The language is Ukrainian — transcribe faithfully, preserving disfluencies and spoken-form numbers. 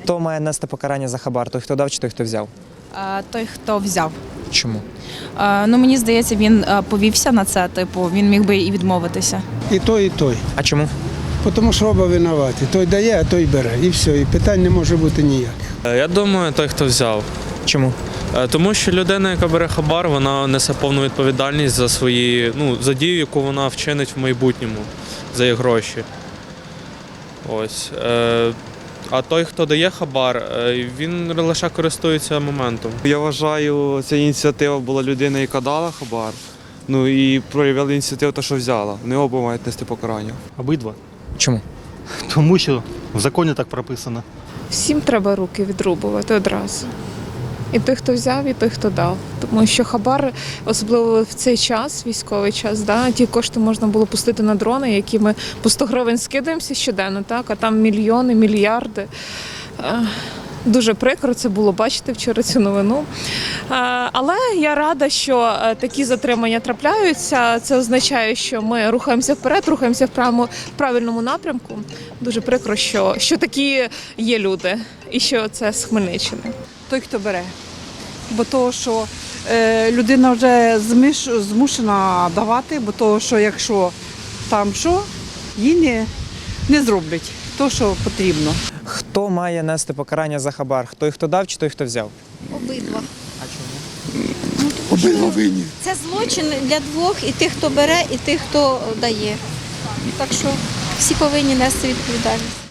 Хто має нести покарання за хабар? Той, хто дав, чи той, хто взяв? Е, Той, хто взяв. Чому? Е, Ну, мені здається, він е, повівся на це, типу, він міг би і відмовитися. І той, і той. А чому? Тому що оба винуваті. Той дає, а той бере. І все. І питань не може бути ніяких. Я думаю, той, хто взяв. Чому? Е, Тому що людина, яка бере хабар, вона несе повну відповідальність за свої, ну, за дію, яку вона вчинить в майбутньому, за їх гроші. Ось. Е, А той, хто дає хабар, е, він лише користується моментом. Я вважаю, ця ініціатива була людина, яка дала хабар. Ну і проявила ініціативу, те, що взяла. Вони оба мають нести покарання. Обидва. Чому? Тому що в законі так прописано. Всім треба руки відрубувати одразу. І той, хто взяв, і той, хто дав. Тому що хабар, особливо в цей час, військовий час, да, ті кошти можна було пустити на дрони, які ми по сто гривень скидаємося щоденно, так, а там мільйони, мільярди. Е, Дуже прикро це було бачити вчора цю новину. Е, Але я рада, що е, такі затримання трапляються. Це означає, що ми рухаємося вперед, рухаємося в правильному, в правильному напрямку. Дуже прикро, що, що такі є люди і що це з Хмельниччини. Той, хто бере. Бо того, що е, людина вже зміш, змушена давати, бо того, що якщо там що, їй не, не зроблять то, що потрібно. Хто має нести покарання за хабар? Той, хто дав, чи той, хто взяв? Обидва. А чому? Обидва винні. Це злочин для двох, і тих, хто бере, і тих, хто дає. Так що всі повинні нести відповідальність.